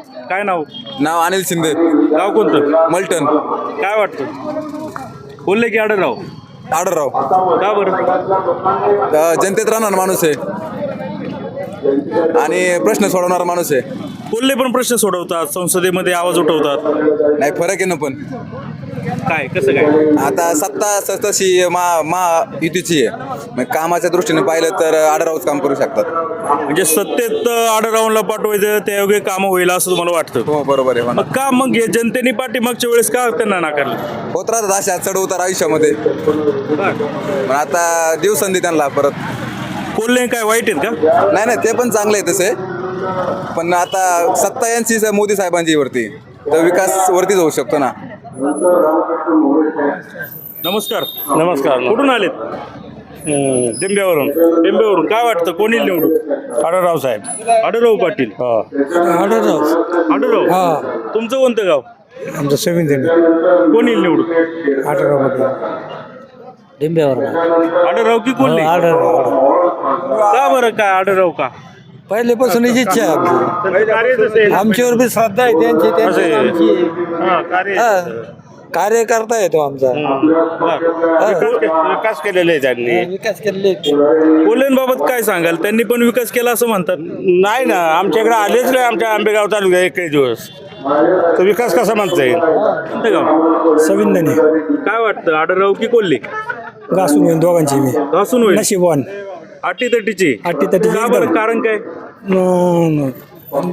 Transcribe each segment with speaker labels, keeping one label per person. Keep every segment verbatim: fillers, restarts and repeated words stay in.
Speaker 1: काय नाव?
Speaker 2: नाव अनिल शिंदे,
Speaker 1: गाव कोणतं?
Speaker 2: मलटण.
Speaker 1: काय वाटतं कोल्हे की आढळराव?
Speaker 2: आडरराव.
Speaker 1: का बरं?
Speaker 2: अ, जनतेत राहणार माणूस आहे आणि प्रश्न सोडवणारा माणूस आहे.
Speaker 1: कोल्हे पण प्रश्न सोडवतात, संसदेमध्ये आवाज उठवतात.
Speaker 2: नाही, फरक आहे ना. पण
Speaker 1: काय कसं काय?
Speaker 2: आता सत्ता स- तशी मा महायुतीची आहे. मग कामाच्या दृष्टीने पाहिलं तर आडरावच काम करू शकतात.
Speaker 1: म्हणजे सत्तेत आढळरावला पाठवायचं त्या योग्य कामं होईल असं तुम्हाला वाटतं?
Speaker 2: हो, बरोबर आहे.
Speaker 1: मग का मग हे जनतेने पाठीमागच्या वेळेस का त्यांना नाकारलं?
Speaker 2: होत राहतात अशा चढ उतार आयुष्यामध्ये. पण आता देऊ संधी त्यांना परत.
Speaker 1: कोल्हे काय वाईट आहेत का?
Speaker 2: नाही नाही, ते पण चांगले आहे तसे. पण आता सत्ता यांची मोदी साहेबांची वरती, तर विकास वरतीच होऊ शकतो ना.
Speaker 1: नमस्कार. नमस्कार. कुठून आलेत?
Speaker 3: दिंब्यावरून.
Speaker 1: टेंबेवरून. काय वाटतं कोणी निवडून?
Speaker 3: आढळराव साहेब.
Speaker 1: आढळराव पाटील.
Speaker 3: आढळराव.
Speaker 1: आढळराव.
Speaker 3: हा.
Speaker 1: तुमचं कोणतं गाव?
Speaker 3: आमचं सेविंग दिंडी.
Speaker 1: कोणी निवडून?
Speaker 3: आढळराव पाटील. दिंब्यावर.
Speaker 1: आढळराव की कोल्हे?
Speaker 3: आढळराव.
Speaker 1: का बरं? काय आढळराव का?
Speaker 3: पहिलेपासून इच्छा आहे आमची. आमच्यावर बी श्रद्धा आहे त्यांची, त्यांची आमची. हा. कार्य करता येतो आमचा.
Speaker 1: विकास केलेला आहे त्यांनी.
Speaker 3: विकास केलेले.
Speaker 1: कोल्हेंबाबत काय सांगाल? त्यांनी पण विकास केला असं म्हणतात.
Speaker 4: नाही ना, आमच्याकडे आलेच नाही आमच्या आंबेगाव तालुक्यात एकही दिवस. तर विकास कसा म्हणता येईल?
Speaker 1: कोणतं गाव?
Speaker 3: सविंदने
Speaker 1: काय वाटतं आढळराव की कोल्हे?
Speaker 3: घासून घेऊन दोघांची मी
Speaker 1: घासून होईल.
Speaker 3: नशिबवान.
Speaker 1: अटी तटीची.
Speaker 3: अटी तटीची
Speaker 1: का
Speaker 3: एकदम.
Speaker 1: बरं? कारण काय?
Speaker 3: न- न-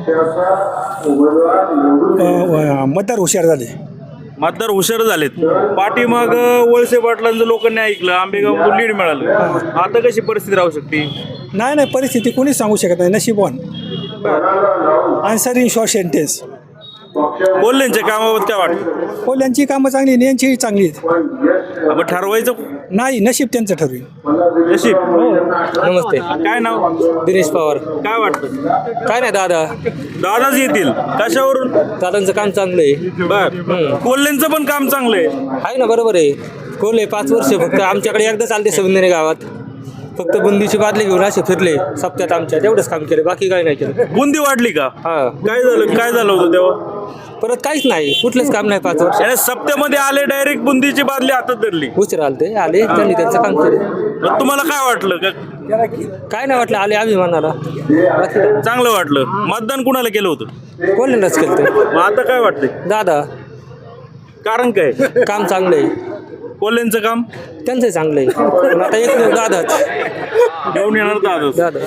Speaker 3: अ, मतदार हुशार झाले.
Speaker 1: मतदार हुशार झालेत. पाठीमाग वळसे पाटलांचं लोकांनी ऐकलं, आंबेगाव लीड मिळालं. आता कशी परिस्थिती राहू शकते?
Speaker 3: नाही नाही, परिस्थिती कोणीच सांगू शकत नाही. नशीबवान. Answer in short sentence.
Speaker 1: कोल्हेंच्या कामाबाबत काय वाटतं?
Speaker 3: कोल्ह्यांची कामं चांगली आणि यांची चांगली आहेत.
Speaker 1: मग ठरवायचं
Speaker 3: नाही, नशीब त्यांचं ठरवी.
Speaker 1: नशीब.
Speaker 5: नमस्ते.
Speaker 1: काय नाव?
Speaker 5: दिनेश पवार.
Speaker 1: काय वाटतं?
Speaker 5: काय नाही दादा,
Speaker 1: दादाच येतील. कशावरून?
Speaker 5: दादांचं काम चांगलं आहे.
Speaker 1: बर. कोल्हेंचं पण काम चांगलं आहे.
Speaker 5: आहे ना, बरोबर आहे. कोल्हे पाच वर्ष फक्त आमच्याकडे एकदा चालते सविंदने गावात. फक्त बुंदीची बादली घेऊन असे फिरले सप्त्यात आमच्या, तेवढंच काम केलं, बाकी काही नाही केलं.
Speaker 1: बुंदी वाढली का?
Speaker 5: हा.
Speaker 1: काय झालं? काय झालं होतं तेव्हा?
Speaker 5: परत काहीच नाही, कुठलंच काम नाही पाच वर्ष.
Speaker 1: याने सप्त्यामध्ये आले, डायरेक्ट बुंदीची बादली हातात धरली.
Speaker 5: उशीर आले ते आले, त्यांनी त्यांचं काम केलं.
Speaker 1: मग तुम्हाला काय वाटलं? का
Speaker 5: काय नाही वाटलं, आले अभिमानाला. बाकी काय.
Speaker 1: चांगलं वाटलं? मतदान कुणाला केलं होतं?
Speaker 5: कोल्ह्यांनाच केलं ते.
Speaker 1: मग आता काय वाटतंय?
Speaker 5: दादा,
Speaker 1: कारण काय?
Speaker 5: काम चांगलं आहे.
Speaker 1: कोल्हेंचं काम
Speaker 5: त्यांचं चांगलं आहे. पण आता एक दादाच.
Speaker 1: घेऊन येणार दादा.
Speaker 5: दादा.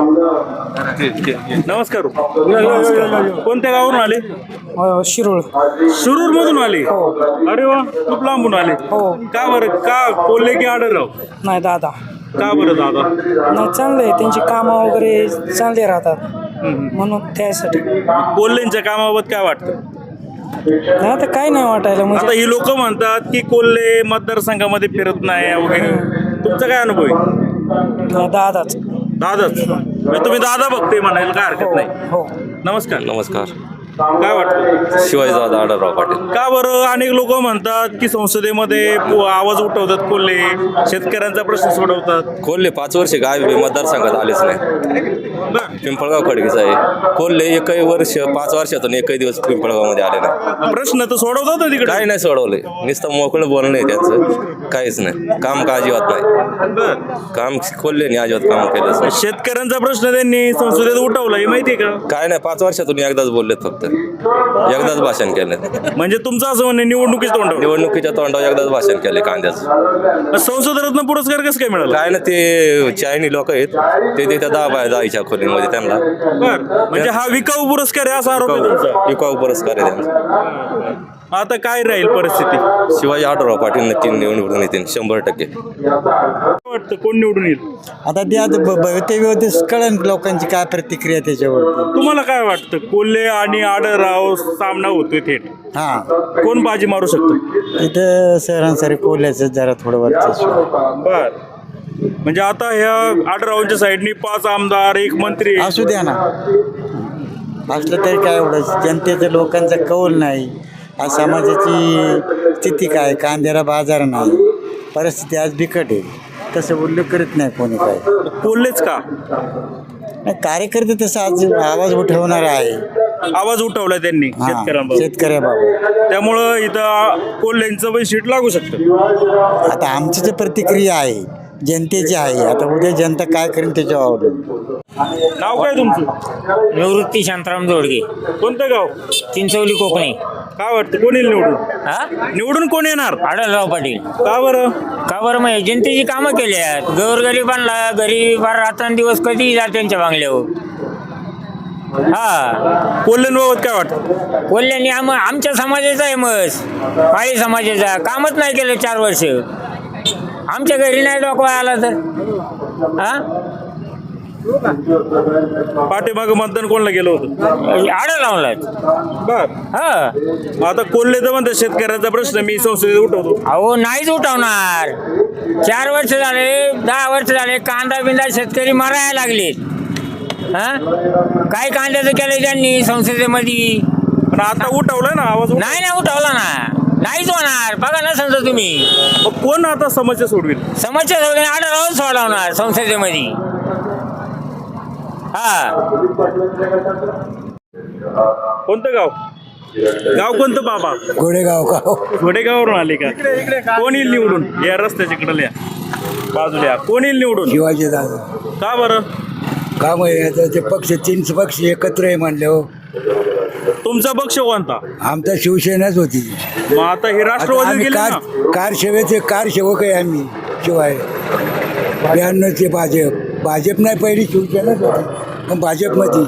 Speaker 1: नमस्कार. कोणत्या गावावरून आले?
Speaker 3: शिरोळ.
Speaker 1: शिरूर मधून आले? अरे वा, खूप लांबून आले. का बरं? का कोल्हे की आढळराव?
Speaker 3: नाही, दादा.
Speaker 1: का बरं दादा?
Speaker 3: नाही, चांगलं आहे. त्यांची कामं वगैरे चांगले राहतात म्हणून त्यासाठी.
Speaker 1: कोल्हेंच्या कामाबाबत काय वाटतं?
Speaker 3: नाही, आता काय नाही वाटायला.
Speaker 1: आता
Speaker 3: म्हणजे
Speaker 1: ही लोक म्हणतात की कोल्हे मतदारसंघामध्ये फिरत नाही वगैरे. तुमचा काय अनुभव आहे?
Speaker 3: दादाच.
Speaker 1: दादाच. म्हणजे तुम्ही दादा बघते म्हणायला काय हरकत नाही.
Speaker 3: हो.
Speaker 1: नमस्कार.
Speaker 6: नमस्कार.
Speaker 1: काय वाटतं?
Speaker 6: शिवाजीदादा आढळराव पाटील.
Speaker 1: का बरं? अनेक लोक म्हणतात की संसदेमध्ये पो- आवाज उठवतात कोल्हे, शेतकऱ्यांचा प्रश्न सोडवतात.
Speaker 6: कोल्हे पाच वर्ष काय मतदारसंघात आलेच नाही.
Speaker 1: बरं.
Speaker 6: पिंपळगाव खडकीचा आहे. कोल्हे एकही वर्ष पाच वर्षातून एकही दिवस पिंपळगावमध्ये आले नाही.
Speaker 1: प्रश्न तर सोडवतात ना तिकडे.
Speaker 6: काय नाही सोडवले, नुसतं मोकळं बोलणं आहे त्यांचं. काहीच नाही. काम का अजिबात नाही.
Speaker 1: बरं.
Speaker 6: काम कोल्हेने अजिबात काम केलंच नाही.
Speaker 1: शेतकऱ्यांचा प्रश्न त्यांनी संसदेत उठवला, हे माहितीये का?
Speaker 6: काय नाही, पाच वर्षातून एकदाच बोललेत फक्त. एकदाच भाषण केलं.
Speaker 1: म्हणजे तुमचं असं म्हणणं निवडणुकीच तोंडावर.
Speaker 6: निवडणुकीच्या तोंडावर एकदाच भाषण केले कांद्याचं.
Speaker 1: संसद रत्न पुरस्कार कसं काय मिळाला?
Speaker 6: काय ना, ते चायनी लोक आहेत ते देतात दहा बाय दहाच्या खोलीमध्ये त्यांना.
Speaker 1: बरं. म्हणजे हा विकाऊ पुरस्कार आहे असा आरोप आहे तुमचा?
Speaker 6: विकाऊ पुरस्कार आहे त्यांचा.
Speaker 1: आता काय राहील परिस्थिती?
Speaker 6: शिवाजी आढळराव पाटील नक्की निवडून येतील शंभर टक्के.
Speaker 1: काय वाटतं कोण निवडून येईल?
Speaker 3: आता त्या भवितव्य कळण लोकांची काय प्रतिक्रिया त्याच्यावरती.
Speaker 1: तुम्हाला काय वाटतं? कोल्हे आणि आढळराव सामना होतोय थेट.
Speaker 3: हा,
Speaker 1: कोण बाजी मारू शकतो?
Speaker 3: तिथं सरांसरी कोल्ह्याचं जरा थोडं वर्चस्व.
Speaker 1: बर. म्हणजे आता ह्या आढळरावांच्या साईडनी पाच आमदार, एक मंत्री.
Speaker 3: असू द्या ना, असलं तरी काय एवढं. जनतेचं लोकांचा कौल नाही. आज समाजाची स्थिती काय, कांद्याला बाजार नाही, परिस्थिती आज बिकट आहे. तसं उल्लेख करत नाही कोणी काय.
Speaker 1: कोल्हेच का?
Speaker 3: नाही, कार्यकर्ते तसं आज आवाज उठवणार आहे.
Speaker 1: आवाज उठवलाय त्यांनी
Speaker 3: हा,
Speaker 1: शेतकऱ्यांबाबत
Speaker 3: शेतकऱ्याबाबत.
Speaker 1: त्यामुळं इथं कोल्ह्यांचं पण सीट लागू शकतं.
Speaker 3: आता आमची जी प्रतिक्रिया आहे जनतेची आहे. आता उद्या जनता काय करेल त्याच्यावर अवलंबून.
Speaker 1: नाव काय तुमचं?
Speaker 7: निवृत्ती शांताराम जोडगे,
Speaker 1: कोणतं गाव?
Speaker 7: चिंचवली कोकणी.
Speaker 1: काय वाटतं कोण येईल निवडून?
Speaker 7: हा
Speaker 1: निवडून कोण येणार?
Speaker 7: आढळराव पाटील.
Speaker 1: का बरं?
Speaker 7: का बरं मग जनतेची कामं केली आहेत. गोरगरिबांना गरीब रात्रंदिवस कधी जा त्यांच्या बांगल्यावर. हा
Speaker 1: कोल्ह्यांबाबत काय वाटतं?
Speaker 7: कोल्ह्यांनी आम आमच्या समाजाचा आहे मस माळी समाजाचा कामच नाही केलं चार वर्ष. आमच्या घरी नाही डोकवा आला तर हा
Speaker 1: पाठीमागं मतदान कोणाला गेलं होतं?
Speaker 7: आढळरावलाच.
Speaker 1: बर.
Speaker 7: हा
Speaker 1: आता कोल्हे तर म्हणतात शेतकऱ्याचा प्रश्न मी संसदेत उठवतो.
Speaker 7: अहो नाहीच उठवणार. चार वर्ष झाले दहा वर्ष झाले कांदा बिंदा शेतकरी मरायला लागलेत. हा काय कांद्याचं केलं त्यांनी संसदेमध्ये?
Speaker 1: पण आता उठवलाय ना आवाज उठ-
Speaker 7: नाही ना उठवला ना. नाहीच होणार. बघा ना समजा तुम्ही
Speaker 1: मग कोण आता समस्या सोडवेल?
Speaker 7: समस्या सोडून आढळराव सोडवणार संसदेमध्ये. हा
Speaker 1: कोणतं गाव? गाव कोणतं बाबा?
Speaker 3: गोडेगाव गाव.
Speaker 1: घोडेगावरून आले का? कोण येईल निवडून? या रस्त्याच्या इकडे या बाजूला या. कोण येईल निवडून?
Speaker 3: शिवाजी दादा.
Speaker 1: का बरं?
Speaker 3: काम आहे आता ते पक्ष तीन पक्ष एकत्र आहे म्हणले हो.
Speaker 1: तुमचा पक्ष कोणता?
Speaker 3: आमचा शिवसेनाच होती.
Speaker 1: मग आता हे
Speaker 3: आता
Speaker 1: राष्ट्रवादी
Speaker 3: आम्ही
Speaker 1: गेले
Speaker 3: कार
Speaker 1: ना.
Speaker 3: कारसेवेचे कारसेवक आहे आम्ही. शिवाय ब्याण्णवचे भाजप भाजप नाही पहिली शिवसेनाच होती पण भाजपमध्ये.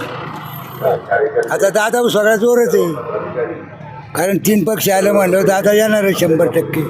Speaker 3: आता दादा सगळा जोरच आहे कारण तीन पक्ष आलं म्हणलं दादा येणार आहे शंभर टक्के.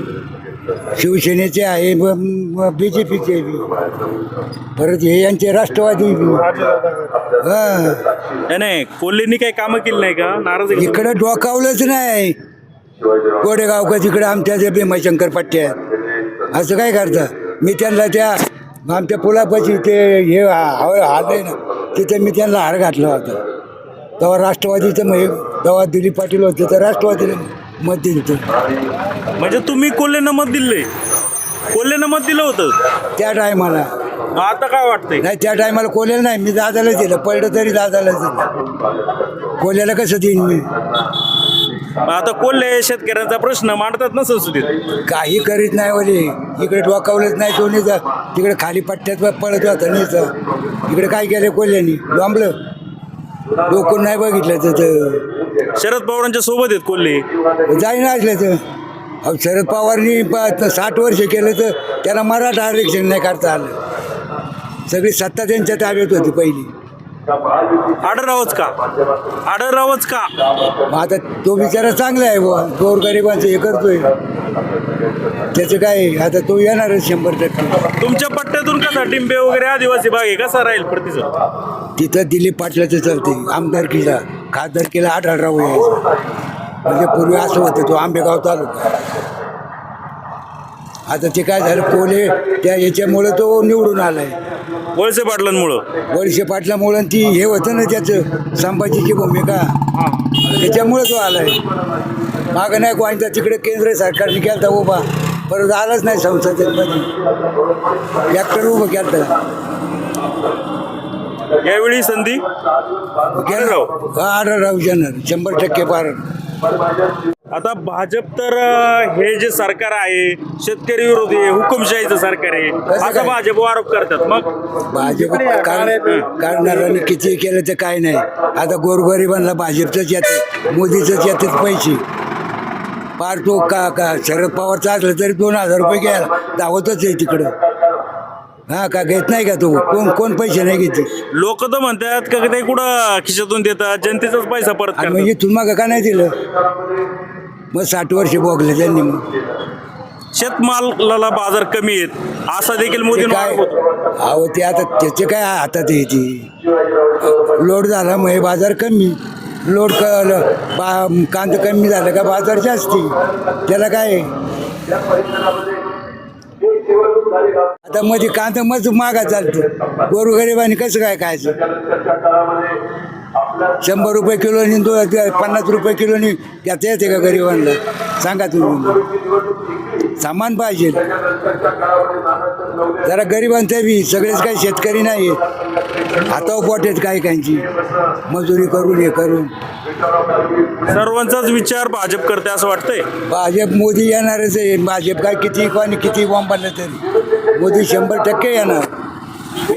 Speaker 3: शिवसेनेचे आहे बी जे पीचे बी परत हे यांचे राष्ट्रवादी बी. हां
Speaker 1: नाही, नाही कोल्हेंनी काही कामं केली नाही का? नाराज आहे का?
Speaker 3: इकडं डोकावलंच नाही. गोडेगाव का तिकडे आमच्या जे भीमाशंकर पट्ट्या असं काय करता. मी त्यांना त्या आमच्या पुलापाशी ते हे आलंय ना तिथे मी त्यांना हार घातला होता. तेव्हा राष्ट्रवादीचं मग तेव्हा दिलीप पाटील होते तर राष्ट्रवादीला मत दिलं.
Speaker 1: म्हणजे तुम्ही कोल्हेंना मत दिले? कोल्हेंना मत दिलं होतं
Speaker 3: त्या टायमाला.
Speaker 1: मग आता काय वाटतंय?
Speaker 3: नाही त्या टायमाला कोल्याला नाही मी दादालाच दिलं. पडलं तरी दादालाच दिलं. कोल्याला कसं देईन मी?
Speaker 1: मग आता कोल्हे शेतकऱ्यांचा प्रश्न मांडतात ना संसदेत.
Speaker 3: काही करीत नाही वले. इकडे डोकावलंच नाही सोनीचा. तिकडे खाली पट्ट्यात पळत होता नीचा. इकडे काय केलं कोल्ह्यानी? लांबलं डोकून नाही बघितलं तर
Speaker 1: शरद पवारांच्या सोबत आहेत कोल्हे.
Speaker 3: जाईन असलं तर. अहो शरद पवारनी प- साठ वर्ष केलं तर त्याला मराठा आरक्षण नाही करता आलं. सगळी सत्ता त्यांच्या ताब्यात होती पहिली.
Speaker 1: आढळरावच का? आढळरावच का?
Speaker 3: मग आता तो बिचारा चांगला आहे बुवा. गोरगरिबांचं हे करतोय त्याचं काय आहे? आता तो येणारच शंभर टक्के.
Speaker 1: तुमच्या पट्ट्यातून कसा टिंबे वगैरे आदिवासी भाग आहे कसा राहील प्रतिसाद?
Speaker 3: तिथं दिलीप पाटलाचं चालते. आमदारकीला खासदारकीला आढळराव यायचं. म्हणजे पूर्वी असं होतं तो आंबेगाव तालुका. आता ते काय झालं कोले त्या याच्यामुळं तो निवडून आलाय.
Speaker 1: वळसे पाटलांमुळं.
Speaker 3: वळसे पाटलामुळं ती हे होतं ना त्याचं संभाजीची भूमिका त्याच्यामुळं तो आलाय. मागं नाही कोणता तिकडे केंद्र सरकारने केलता उभा परत आलाच नाही संसदेमध्ये. ट्रॅक्टर उभं केलं.
Speaker 1: यावेळी संधी आढळराव.
Speaker 3: आढळराव येणार शंभर टक्के पार.
Speaker 1: आता भाजप तर अं, हे जे सरकार आहे शेतकरी विरोधी आहे, हुकुमशाहीचं सरकार आहे असा
Speaker 3: काय?
Speaker 1: भाजप आरोप करतात. मग
Speaker 3: भाजप काढणाऱ्यांनी किती केलं तर काय नाही. आता गोरगरिबांना भाजपचंच येते मोदीचंच येतात पैसे. पार तो का का शरद पवारचा असलं तरी दोन हजार रुपये घ्यायला धावतच आहे तिकडं. हा का घेत नाही का तो? कोण कोण पैसे नाही घेते.
Speaker 1: लोक तर म्हणतात का ते कुठं खिशातून देतात जनतेचाच पैसा परत
Speaker 3: आणि
Speaker 1: करतात.
Speaker 3: म्हणजे तुम्हाला का नाही दिलं? मग साठ वर्ष भोगले त्यांनी. मग
Speaker 1: शेतमालाला बाजार कमी आहेत असा देखील
Speaker 3: ते
Speaker 1: मोदी
Speaker 3: काय
Speaker 1: आरोप होतो.
Speaker 3: अहो ते आता त्याचे काय हातात येते. लोड झाला मग हे बाजार कमी. लोड क बा कांदा कमी झालं का बाजार जास्ती. त्याला काय आता मध्ये कांदा मज मागा चालतो. गोरगरिबांनी कसं काय खायचं? शंभर रुपये किलोनी दो पन्नास रुपये किलोनी त्याचं येते का गरिबांना? सांगा तुम्ही. सामान पाहिजे. जरा गरिबांचं बी सगळेच काही शेतकरी नाही आहेत, हातावर पोट आहेत काही काहींची मजुरी करून हे करून.
Speaker 1: सर्वांचाच विचार भाजप करते असं वाटतंय.
Speaker 3: भाजप मोदी येणारच आहे. भाजप काय किती कोणी किती बॉम्ब पडलं तरी मोदी शंभर टक्के येणार.